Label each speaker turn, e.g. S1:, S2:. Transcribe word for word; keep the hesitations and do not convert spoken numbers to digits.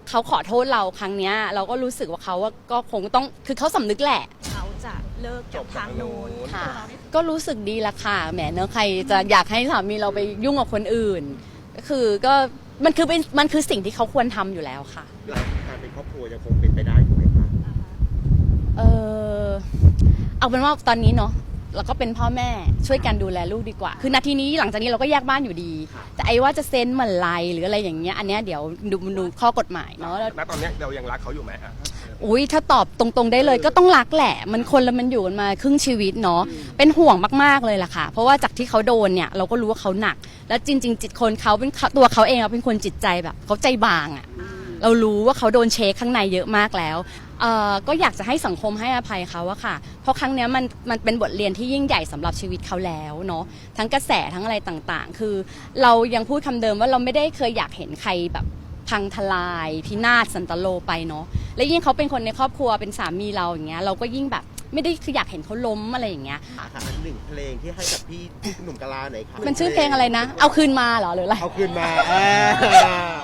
S1: เขาขอโทษเราครั้งเนี้ยเราก็รู้สึกว่าเขาก็คงต้องคือเขาสำนึกแหละ
S2: เขาจะเลิกกับทางโน้น
S1: ค่ะก็รู้สึกดีละค่ะแหมเนอะใครจะอยากให้สามีเราไปยุ่งกับคนอื่นก็คือก็มันคือเป็นมันคือสิ่งที่เขาควรทำอยู่แล้วค่ะ
S3: การเป็นครอบครัวยังคงเป็นไปได้อยู่ไหมคะ
S1: เออเอาเป็นว่าตอนนี้เนาะเราก็เป็นพ่อแม่ช่วยกันดูแลลูกดีกว่าคือนาทีนี้หลังจากนี้เราก็แยกบ้านอยู่ดีแต่ไอ้ว่าจะเซ็นเมื่อไรหรืออะไรอย่างเงี้ยอันเนี้ยเดี๋ยวดูดูข้อกฎหมายเนาะ
S3: ณตอนนี้เรายังรักเขาอยู่ไหมอ่ะ
S1: อุ้ยถ้าตอบตรงๆได้เลยก็ต้องรักแหละมันคนละมันอยู่กันมาครึ่งชีวิตเนาะเป็นห่วงมากๆเลยล่ะค่ะเพราะว่าจากที่เขาโดนเนี่ยเราก็รู้ว่าเขาหนักแล้วจริงๆจิตคนเขาเป็นตัวเขาเองเป็นคนจิตใจแบบเขาใจบางอ่ะเรารู้ว่าเขาโดนเช็คข้างในเยอะมากแล้วเอ่อก็อยากจะให้สังคมให้อภัยเขาอะค่ะเพราะครั้งนี้มันมันเป็นบทเรียนที่ยิ่งใหญ่สำหรับชีวิตเขาแล้วเนาะทั้งกระแสทั้งอะไรต่างๆคือเรายังพูดคำเดิมว่าเราไม่ได้เคยอยากเห็นใครแบบพังทลายพินาศสันตโลไปเนาะและยิ่งเขาเป็นคนในครอบครัวเป็นสามีเราอย่างเงี้ยเราก็ยิ่งแบบไม่ได้คืออยากเห็นเขาล้มอะไรอย่างเงี้ย
S3: ค่ะอันหนึ่งเพลงที่ให้กับพี่หนุ่มกะลาหน่อยค่ะ
S1: มันชื่อเพลงอะไรนะเอาคืนมาเหรอหรืออะไร
S3: เอาคืนมา